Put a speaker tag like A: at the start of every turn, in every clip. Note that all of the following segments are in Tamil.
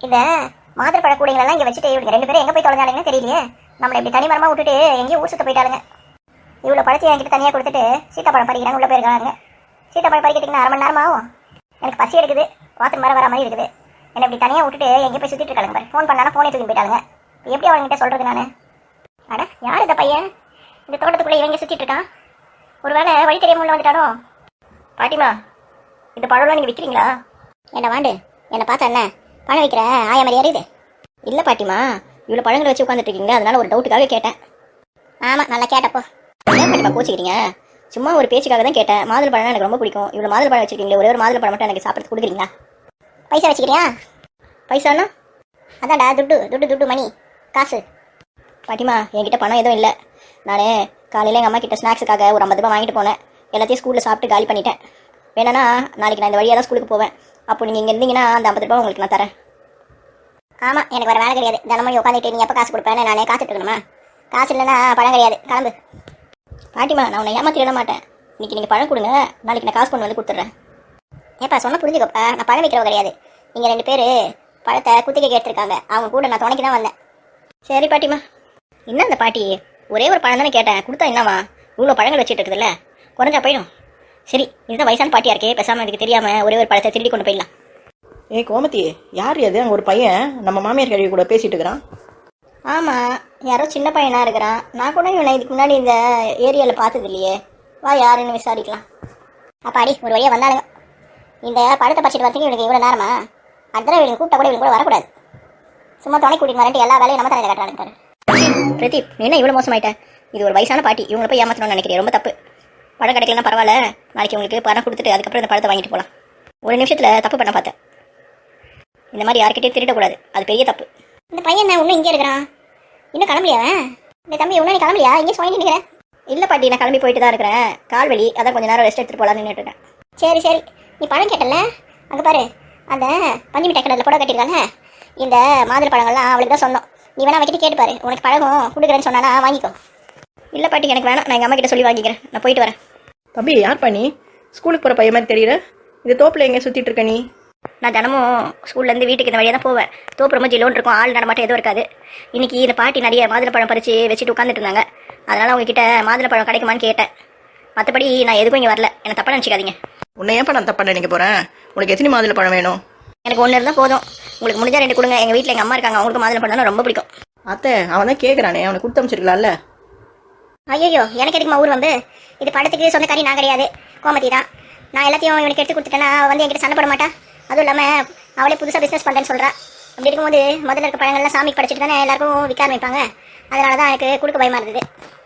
A: இந்த மாதுளப்பழ கூடைங்களெல்லாம் இங்கே வச்சுட்டு இவங்க 2 பேரும் எங்கே போய் தொலைஞ்சாலுங்கன்னு தெரியலையே. நம்மளை இப்படி தனிமரமாக விட்டுட்டு எங்கேயும் ஊர் சுத்த போயிட்டாளுங்க. இவ்வளோ பழத்தை என்கிட்ட தனியாக கொடுத்துட்டு சீத்தாப்பழம் பறிக்கிறாங்க, உள்ளே போயிருக்காங்க. சீத்தாப்பழம் பறிக்கிறதுக்கு 1/2 மணி நேரம் ஆகும். எனக்கு பசி எடுக்குது, வாத்து வர மாதிரி இருக்குது. என்னை இப்படி தனியாக விட்டுட்டு எங்கேயும் போய் சுற்றிட்டு இருக்காங்க பாரு. ஃபோன் பண்ணாலும் ஃபோனே தூக்கி போயிட்டாங்க. எப்படி அவங்ககிட்ட சொல்கிறது நான்? அட யார் இந்த பையன் இந்த தோட்டத்துக்குள்ளே இவங்க சுற்றிட்டு இருக்கான்? ஒரு வேளை வழி தெரியாமல் உள்ள வந்துட்டானோ? பாட்டிமா, இந்த பழம்லாம் நீங்கள் விற்கிறீங்களா? என்ன வாண்டு என்னை பார்த்தா என்ன பழம் விற்கிற ஆயா மாதிரி அறியுது? இல்லை பாட்டிமா, இவ்வளோ பழங்களை வச்சு உட்காந்துட்டு இருக்கீங்களா, அதனால ஒரு டவுட்டுக்காக கேட்டேன். ஆமாம், நல்லா கேட்டப்போ. ஏன் பாட்டிமா கோச்சிக்கிறீங்க? சும்மா ஒரு பேச்சுக்காக தான் கேட்டேன். மாதுளை பழம் எனக்கு ரொம்ப பிடிக்கும். இவ்வளோ மாதுளை பழம் வச்சுருக்கீங்களே, ஒரே ஒரு மாதுளை பழம் மட்டும் எனக்கு சாப்பிட்றது கொடுக்குறீங்களா? பைசா வச்சுக்கிறியா? பைசானா? அதான்டா துட்டு துட்டு துட்டு மணி காசு. பாட்டிமா, என்கிட்ட பணம் எதுவும் இல்லை. நான் காலையில் எங்கள் அம்மா கிட்ட ஸ்நாக்ஸுக்காக ஒரு 50 ரூபா வாங்கிட்டு போனேன். எல்லாத்தையும் ஸ்கூலில் சாப்பிட்டு காலி பண்ணிட்டேன். வேணா நாளைக்கு நான் இந்த வழியாக தான் ஸ்கூலுக்கு போவேன். அப்போ நீங்கள் இங்கே இருந்தீங்கன்னா அந்த 50 ரூபா உங்களுக்கு நான் தரேன். ஆமாம், எனக்கு வேறு வேலை கிடையாது. தினமும் உட்காந்துட்டு நீ எப்போ காசு கொடுப்பேன்னு நானே காத்துட்டு இருக்கணுமா? காசு இல்லைன்னா பழம் கிடையாது, கிளம்பு. பாட்டிமா, நான் உன்னை ஏமாற்றிட மாட்டேன். இன்றைக்கி நீங்கள் பழம் கொடுங்க, நாளைக்கு நான் காசு கொண்டு வந்து கொடுத்துட்றேன். ஏப்பா சொன்ன புரிஞ்சுக்கப்பா, நான் பழம் வைக்கிறவ கிடையாது. நீங்கள் 2 பேர் பழத்தை குத்திக்க எடுத்துருக்காங்க, அவங்க கூட நான் துணைக்கு தான் வந்தேன். சரி பாட்டிமா. என்ன இந்த பாட்டி, ஒரே ஒரு பழம் தானே கேட்டேன், கொடுத்தா என்னவா? இவ்வளோ பழங்கள் வச்சுட்டு இருக்குதுல்ல, குறைஞ்சா போயிடும். சரி, இதுதான் வயசான பாட்டியாக இருக்கே, பேசாமல் இதுக்கு தெரியாமல் ஒரே ஒரு பழத்தை திருடி கொண்டு போயிடலாம்.
B: கோமதி, யார் அது? அங்கே ஒரு பையன் நம்ம மாமியார் கழுவி கூட பேசிகிட்டு இருக்கிறான்.
A: ஆமாம், யாரோ சின்ன பையனாக இருக்கிறான். நான் கூட இவனை இதுக்கு முன்னாடி இந்த ஏரியாவில் பார்த்தது இல்லையே. வா, யாருன்னு விசாரிக்கலாம். அப்பாடி ஒரு வழியாக வந்தாலுங்க. இந்த பழத்தை பறிச்சிட்டு வரதுக்கு இவனுக்கு இவ்வளோ நேரமா? அடுத்த இவனுக்கு கூப்பிட்டா கூட இவங்க கூட வரக்கூடாது. சும்மா துணை கூட்டிட்டு வரேன்ட்டு எல்லா வேலையும் நம்ம தலையில் கட்டுறாங்க. பிரதீப், நீ என்ன இவ்வளோ மோசமாயிட்டேன்? இது ஒரு வயசான பாட்டி, இவங்களை போய் ஏமாற்றணும்னு நினைக்கிறேன். ரொம்ப தப்பு. பழம் கிடைக்கலன்னா பரவாயில்ல, நாளைக்கு உங்களுக்கு பணம் கொடுத்துட்டு அதுக்கப்புறம் இந்த பழத்தை வாங்கிட்டு போகலாம். ஒரு நிமிஷத்தில் தப்பு பண்ண பார்த்தேன். இந்த மாதிரி யார்கிட்டையும் திருடக்கூடாது, அது பெரிய தப்பு. இந்த பையன் என்ன இன்னும் இங்கே இருக்கிறான்? இன்னும் கிளம்பலையாவன்? இந்த தம்பி இன்னும் நீ கிளம்பலையா? இங்கே சுவாங்கி நிற்கிறேன். இல்லை பாட்டி, நான் கிளம்பி போயிட்டு தான் இருக்கிறேன். கால் வலி, அதான் கொஞ்சம் நேரம் ரெஸ்ட் எடுத்துகிட்டு போகலான்னு நின்றுட்டேன். சரி சரி, நீ பழம் கேட்டல, அங்கே பாரு, அந்த பஞ்சு மிட்டாய் கடையில் புடவை கட்டியிருக்காங்க. இந்த மாதுளை பழங்கள்லாம் அவளுக்கு தான் சொன்னோம். நீ வேணா வைக்கிட்டு கேட்டு பாரு, உனக்கு பழகம் கொடுக்குறேன்னு சொன்னானா வாங்கிக்கோ. இல்லை பாட்டி, எனக்கு வேணாம், நான் எங்கள் அம்மா கிட்ட சொல்லி வாங்கிக்கிறேன். நான் போயிட்டு வரேன்.
B: தம்பி, யார் பண்ணி ஸ்கூலுக்கு போகிற பையன் மாதிரி தெரியல? இந்த தோப்பில் எங்கே சுற்றிட்டு இருக்க நீ?
A: நான் தினமும் ஸ்கூல்லேருந்து வீட்டுக்கு இந்த வழியாக தான் போவேன். தோப்பு ரொம்ப ஜிலோன்னு இருக்கும், ஆள் நடமாட்டம் எதுவும் இருக்காது. இன்றைக்கி இந்த பாட்டி நிறைய மாதுளை பறித்து வச்சுட்டு உட்காந்துட்டு இருந்தாங்க. அதனால் உங்ககிட்ட மாதுளை பழம் கிடைக்குமான்னு கேட்டேன். மற்றபடி நான் எதுக்கும் இங்கே வரல, என்னை தப்பாக நினச்சிக்காதீங்க.
B: உன்னை ஏன்ப்பா நான் தப்பாக நினைக்க போகிறேன்? உனக்கு எத்தனை மாதுளை பழம் வேணும்?
A: எனக்கு 1 இருந்தால் போதும். உங்களுக்கு முடிஞ்சா 2 கொடுங்க. எங்கள் வீட்டில் எங்கள் அம்மா இருக்காங்க, அவங்களுக்கு மாதுளை பழம்னா ரொம்ப பிடிக்கும்.
B: அத்தை, அவன் தான் கேட்குறானே, அவனை கொடுத்து அமைச்சிருக்கலாம்ல.
A: ஐயோ, எனக்கு எதுக்குமா ஊர் வந்து? இது படத்துக்கு சொந்தக்காரி நான் கிடையாது, கோமதி தான். நான் எல்லாத்தையும் இவனுக்கு எடுத்து கொடுத்துட்டேன்னா வந்து என்கிட்ட சண்டை போட மாட்டா. அதுவும் இல்லாமல் அவளே புதுசாக பிஸ்னஸ் பண்ணுறேன்னு சொல்கிறா. அப்படி இருக்கும்போது முதல்ல இருக்க பழங்கள்லாம் சாமிக்கு படைச்சிட்டு தானே எல்லாருக்கும் விற்க ஆரம்பிப்பாங்க. அதனால தான் எனக்கு கொடுக்க பயமாக இருந்தது.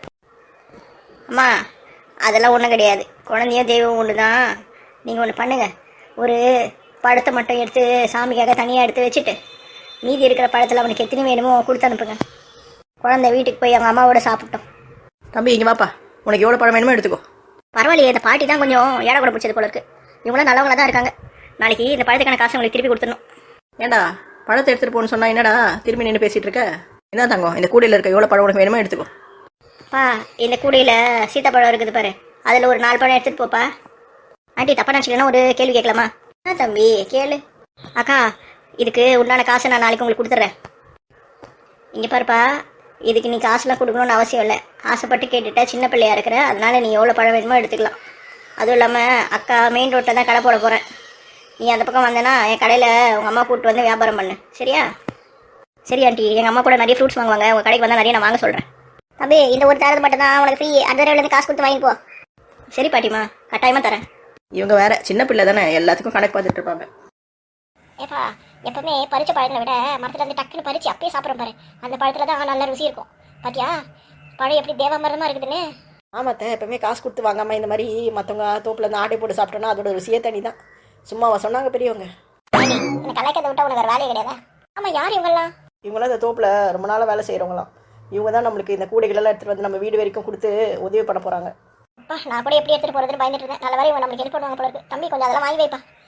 A: அம்மா, அதெல்லாம் ஒன்றும் கிடையாது. குழந்தையோ தெய்வம் ஒன்று தான். நீங்கள் ஒன்று பண்ணுங்கள், ஒரு பழத்தை மட்டும் எடுத்து சாமிக்காக தனியாக எடுத்து வச்சுட்டு மீதி இருக்கிற பழத்தில் அவனுக்கு எத்தனை வேணுமோ கொடுத்து அனுப்புங்க. குழந்தை வீட்டுக்கு போய் அவங்க அம்மாவோட சாப்பிட்டோம்.
B: தம்பி, இங்கே வாப்பா, உனக்கு எவ்வளோ பழம் வேணுமோ எடுத்துக்கோ.
A: பரவாயில்லையே, இந்த பாட்டி தான் கொஞ்சம் ஏடா கூட பிடிச்சது போல இருக்கு. இவங்களாம் நல்லவங்களா தான் இருக்காங்க. நாளைக்கு இந்த பழத்துக்கான காசு உங்களுக்கு திருப்பி கொடுத்துடணும்.
B: ஏண்டா, பழத்தை எடுத்துகிட்டு போகணுன்னு சொன்னா என்னடா திரும்பி நின்று பேசிகிட்டு இருக்க? என்ன தங்கம், இந்த கூடையில் இருக்க எவ்வளோ பழம் உனக்கு வேணுமோ எடுத்துக்கோ.
A: பா, இந்த கூடையில் சீத்தாப்பழம் இருக்குது பாரு, அதில் ஒரு 4 பழம் எடுத்துகிட்டு போப்பா. ஆண்டி, தப்பா நினச்சிக்கலன்னா ஒரு கேள்வி கேட்கலாமா? ஆ தம்பி, கேளு. அக்கா, இதுக்கு உண்டான காசை நான் நாளைக்கு உங்களுக்கு கொடுத்துட்றேன். இங்கே பாருப்பா, இதுக்கு நீ காசுலாம் கொடுக்கணும்னு அவசியம் இல்லை. ஆசைப்பட்டு கேட்டுட்ட, சின்ன பிள்ளையா இருக்கிற, அதனால நீ எவ்வளோ பழம் வேணுமோ எடுத்துக்கலாம். அதுவும் இல்லாமல் அக்கா மெயின் ரோட்டில் தான் கடை போட போகிறேன். நீ அந்த பக்கம் வந்தேன்னா என் கடையில் உங்கள் அம்மா கூப்பிட்டு வந்து வியாபாரம் பண்ணு, சரியா? சரி ஆண்டி, எங்கள் அம்மா கூட நிறைய ஃப்ரூட்ஸ் வாங்குவாங்க, உங்கள் கடைக்கு வந்தால் நிறைய நான் வாங்க சொல்கிறேன். தம்பி, இந்த ஒரு தரது மட்டும் தான் உனக்கு ஃப்ரீ. அந்த தடவைலேருந்து காசு கொடுத்து வாங்கிப்போ. சரி பாட்டிமா, கட்டாயமாக தரேன்.
B: இவங்க வேற சின்ன பிள்ளை தானே, எல்லாத்துக்கும் கணக்கு பார்த்துட்டு இருப்பாங்க.
A: ஏப்பா, எப்பவுமே பறிச்ச பழங்களை விட மரத்தில் வந்து டக்குன்னு பறிச்சு அப்பயே சாப்பிட்றோம் பாரு, அந்த பழத்தில் தான் நல்ல ருசி இருக்கும். பாத்தியா பழம் எப்படி தேவாமிரதமாக இருக்குதுன்னு?
B: ஆமாத்த, எப்பவுமே காசு கொடுத்து வாங்காமல் இந்த மாதிரி மற்றவங்க தோப்பில் இருந்து ஆட்டை போட்டு சாப்பிட்டோன்னா அதோட ருசியே தனி தான். சும்மாவா சொன்னாங்க பெரியவங்க?
A: எனக்கு கலைக்கிறத விட்டா உனக்கு ஒரு வேலையே கிடையாதா? ஆமாம், யார் இவங்கெல்லாம்?
B: இவங்களாம் இந்த தோப்பில் ரொம்ப நாளாக வேலை செய்கிறவங்களாம். இவங்க தான் நம்மளுக்கு இந்த கூடைகளெல்லாம் எடுத்துகிட்டு வந்து நம்ம வீடு வரைக்கும் கொடுத்து உதவி பண்ண போகிறாங்க.
A: அப்பா, நான் கூட எப்படி எடுத்துகிட்டு போகிறதுன்னு பயந்துட்டு இருந்தேன். நல்ல வேலை இவங்க நம்மளுக்கு ஹெல்ப் பண்ணுவாங்க போல இருக்கு. தம்பி, கொஞ்சம் அதெல்லாம் வாங்கி வைப்பா.